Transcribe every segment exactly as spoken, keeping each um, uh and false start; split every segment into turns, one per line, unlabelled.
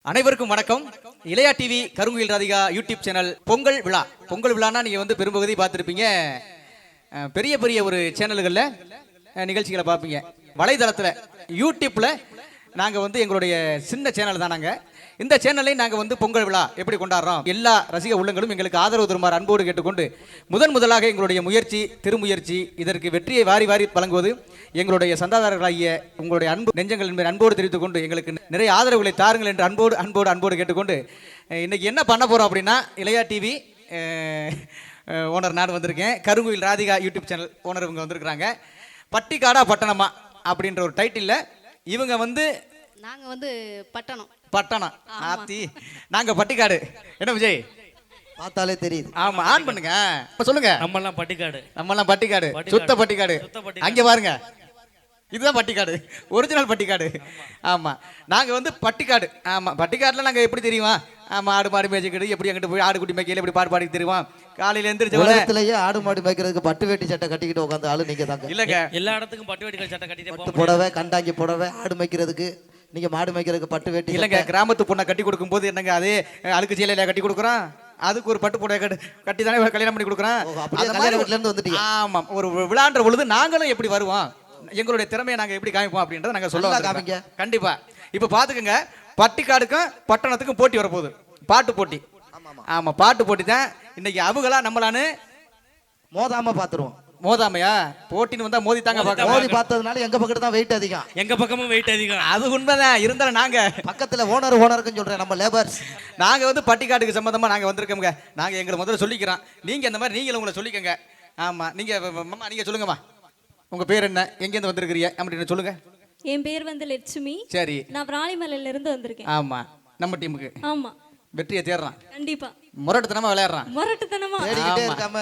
அனைவருக்கும் வணக்கம். Ilaiya TV Karunguyil Radhika YouTube channel Pongal விழா. பொங்கல் விழானா நீங்க வந்து பெரும்பகுதி பார்த்துருப்பீங்க. பெரிய பெரிய ஒரு சேனல்களில் நிகழ்ச்சிகளை பார்ப்பீங்க. வலைதளத்தில் யூடியூப்ல நாங்கள் வந்து எங்களுடைய சின்ன சேனல் தான். நாங்கள் இந்த சேனல்லையும் நாங்கள் வந்து பொங்கல் விழா எப்படி கொண்டாடுறோம், எல்லா ரசிக உள்ளங்களும் எங்களுக்கு ஆதரவு தருமாறு அன்போடு கேட்டுக்கொண்டு முதன் முதலாக எங்களுடைய முயற்சி திருமுயற்சி இதற்கு வெற்றியை வாரி வாரி வழங்குவது எங்களுடைய சந்தாதாரர்களாகிய உங்களுடைய அன்பு நெஞ்சங்கள் என்பதை அன்போடு தெரிவித்துக் கொண்டு எங்களுக்கு நிறைய ஆதரவுகளை தாருங்கள் என்று அன்போடு அன்போடு அன்போடு கேட்டுக்கொண்டு இன்னைக்கு என்ன பண்ண போகிறோம் அப்படின்னா, இளையா டிவி ஓனர் நான் வந்திருக்கேன். Karunguyil Radhika YouTube channel owner இவங்க வந்திருக்கிறாங்க. பட்டிக்காடா பட்டணமா அப்படின்ற ஒரு டைட்டில் இவங்க வந்து
நாங்க வந்து பட்டணம்
பட்டணம் ஆத்தி நாங்க பட்டிக்காடு. என்ன விஜய்
பார்த்தாலே தெரியுது.
ஆமா, ஆன் பண்ணுங்க. இப்ப சொல்லுங்க.
நம்ம எல்லாம் பட்டிக்காடு,
நம்ம எல்லாம் பட்டிக்காடு, சுத்த பட்டிக்காடு. அங்க பாருங்க, இதுதான் பட்டிக்காடு, ஒரிஜினல் பட்டிக்காடு. ஆமா, நாங்க வந்து பட்டிக்காடு. ஆமா, பட்டிக்காடுல நாங்க எப்படி தெரியுமா? ஆமா, ஆடு மாடு மேய்ச்சிக்கிட்டு எப்படி அங்கிட்டு போய் ஆடு குட்டி மேய்க்கையில எப்படி பாடு பாடி தெரியுமா? காலையில எந்திரிச்ச
உலகத்திலேயே ஆடு மாடு மேய்க்கிறதுக்கு பட்டு வேட்டி சட்டை கட்டிக்கிட்டு உட்காந்து ஆளு நீங்க தாங்க.
இல்லங்க, எல்லா இடத்துக்கும் பட்டு வேட்டி சட்டை கட்டிட்டு
பட்டு புடவை கண்டாங்கி புடவை. ஆடு மேய்க்கிறதுக்கு நீங்க மாடு மேய்க்கிறதுக்கு பட்டு வேட்டி
இல்லங்க. கிராமத்து பொண்ணை கட்டி கொடுக்கும் போது என்னங்க அதே அழுக்கு சீலையில கட்டி கொடுக்குறோம். அதுக்கு ஒரு பட்டு புடவை கட்டி கட்டி தானே கல்யாணம் பண்ணி கொடுக்குறோம். ஆமா, ஒரு விழான்ற பொழுது நாங்களும் எப்படி வருவோம், எங்களுடைய திறமையை நாங்க எப்படி காமிப்போம் அப்படின்றத நாங்க சொல்ல காமிங்க. கண்டிப்பா. இப்ப பாத்துக்கங்க, பட்டிக்காடுக்கும் பட்டணத்துக்கும் போட்டி வரப்போகுது, பாட்டு போட்டி. ஆமா, பாட்டு போட்டி தான் இன்னைக்கு. அவங்களா நம்மளானு
மோதாம பாத்துருவோம்.
மோதாமையா போட்டின்னு வந்தா மோதி தாங்க பார்க்க.
மோதி பார்த்ததுனால எங்க பக்கத்து தான் வெயிட் அதிகம்.
எங்க பக்கமும் வெயிட் அதிகம்.
அது உண்மைதான். இருந்தாலும் நாங்க
பக்கத்துல ஓனர் ஓனருக்குன்னு சொல்றேன், நம்ம லேபர்ஸ்.
நாங்க வந்து பட்டிக்காட்டுக்கு சம்பந்தமா நாங்க வந்திருக்கோங்க. நாங்க எங்களை முதல்ல சொல்லிக்கிறோம். நீங்க இந்த மாதிரி நீங்களும் உங்களை சொல்லிக்கங்க. ஆமா, நீங்க மாமா நீங்க சொல்லுங்கம்மா, உங்க பேர் என்ன, எங்க இருந்து வந்திருக்கிறீங்க அப்படின்னு சொல்லுங்க.
என் பேர் வந்து லட்சுமி.
சரி,
நான் விராலிமலையில இருந்து வந்திருக்கேன்.
ஆமா, நம்ம டீமுக்கு
ஆமா
வெற்றியை தேடுறான்.
கண்டிப்பா.
முரட்டுத்தனமா விளையாடுறான்.
முரட்டுத்தனமா
தேடிக்கிட்டே இருக்காம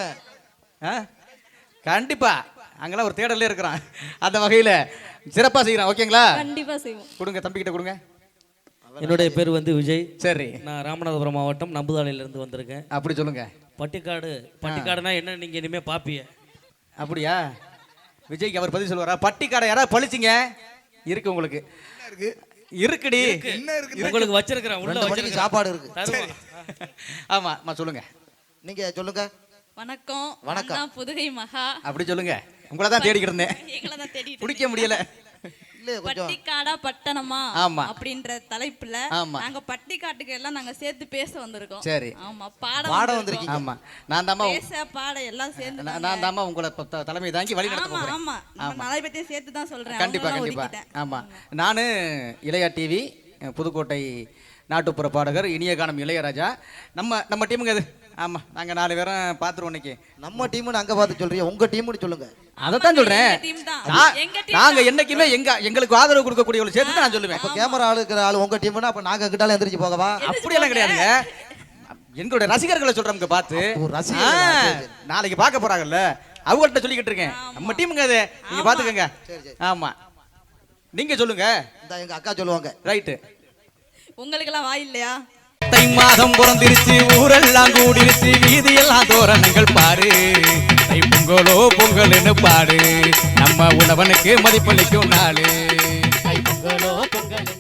கண்டிப்பா அங்கெல்லாம் ஒரு தேடலே இருக்கிறான். அந்த வகையில சிறப்பா செய்யறான். ஓகேங்களா?
கண்டிப்பா செய்வோம்.
கொடுங்க, தம்பி கிட்ட கொடுங்க.
என்னுடைய பேர் வந்து விஜய்.
சரி,
நான் ராமநாதபுரம் மாவட்டம் நம்புதாலையில இருந்து வந்திருக்கேன்.
அப்படி சொல்லுங்க.
பட்டிக்காடு பட்டிக்காடுனா என்ன நீங்க இனிமே பாப்பீங்க.
அப்படியா? விஜய்க்கு அவர் பதில் சொல்லுவாரா? பட்டிக்காடை யாராவது பழிச்சிங்க இருக்கு உங்களுக்கு? இருக்குடி,
உங்களுக்கு வச்சிருக்கிறேன். உள்ள வச்சிருக்க
சாப்பாடு இருக்கு.
ஆமா, சொல்லுங்க.
நீங்க சொல்லுங்க.
வணக்கம்.
வணக்கம்.
புதுகை மகா.
அப்படி சொல்லுங்க. உங்களை தான் தேடிக்கிட்டு இருந்தேன், பிடிக்க முடியல.
பட்டிக்காடா பட்டணமா
ஆமா
அப்படின்ற தலைப்புல நாங்க பட்டிக்காட்டுக்கு எல்லாம் நாங்க சேர்த்து பேச வந்திருக்கோம்.
சரி,
ஆமா, பாட
பாட வந்திருக்கீங்க.
ஆமா, நான் தாமா
பேச பாட எல்லாம் சேர்ந்து
நான் தாமா உங்களை தலைமை தாங்கி வழி நடத்த போறேன்.
ஆமா, நம்ம நாளை பத்தி சேர்த்து தான் சொல்றேன்.
கண்டிப்பா கண்டிப்பா. ஆமா, நானு இளையா டிவி புதுக்கோட்டை நாட்டுப்புற பாடகர் இனிய கானம் இளையராஜா. நம்ம நம்ம டீமுங்க அது. ஆமா, நாங்க நாலு பேரும் பாத்துருவோம் இன்னைக்கு.
நம்ம டீம்னு அங்க பார்த்து சொல்றீங்க, உங்க டீம்னு சொல்லுங்க.
அதத்தான் சொல்றேன். நாங்க என்னைக்குமே எங்க எங்களுக்கு ஆதரவு கொடுக்கக்கூடியவங்க சேர்த்து நான் சொல்லுவேன்.
அப்ப கேமரா ஆளு இருக்கிற ஆளு உங்க டீம்னா அப்ப நாங்க கிட்டால எந்திரிச்சு போகவா?
அப்படியெல்லாம் கிடையாதுங்க. எங்களுடைய ரசிகர்களை சொல்றோம்ங்க பார்த்து. நாளைக்கு பார்க்க போறாங்கல்ல, அவங்கள்ட்ட சொல்லிக்கிட்டு இருக்கேன். நம்ம டீமுங்க அது, நீங்க பாத்துக்கங்க. ஆமா, நீங்க சொல்லுங்க.
எங்க அக்கா சொல்லுவாங்க.
ரைட்டு.
உங்களுக்கு எல்லாம் வாய் இல்லையா?
தை மாதம் பிறந்திருச்சு, ஊரெல்லாம் கூடிருச்சு, வீதியெல்லாம் தோரணங்கள் பாரு. தை பொங்கலோ பொங்கல்னு பாடு, நம்ம உழவனுக்கு மதிப்பளிக்கும் நாளு. தை பொங்கலோ பொங்கல்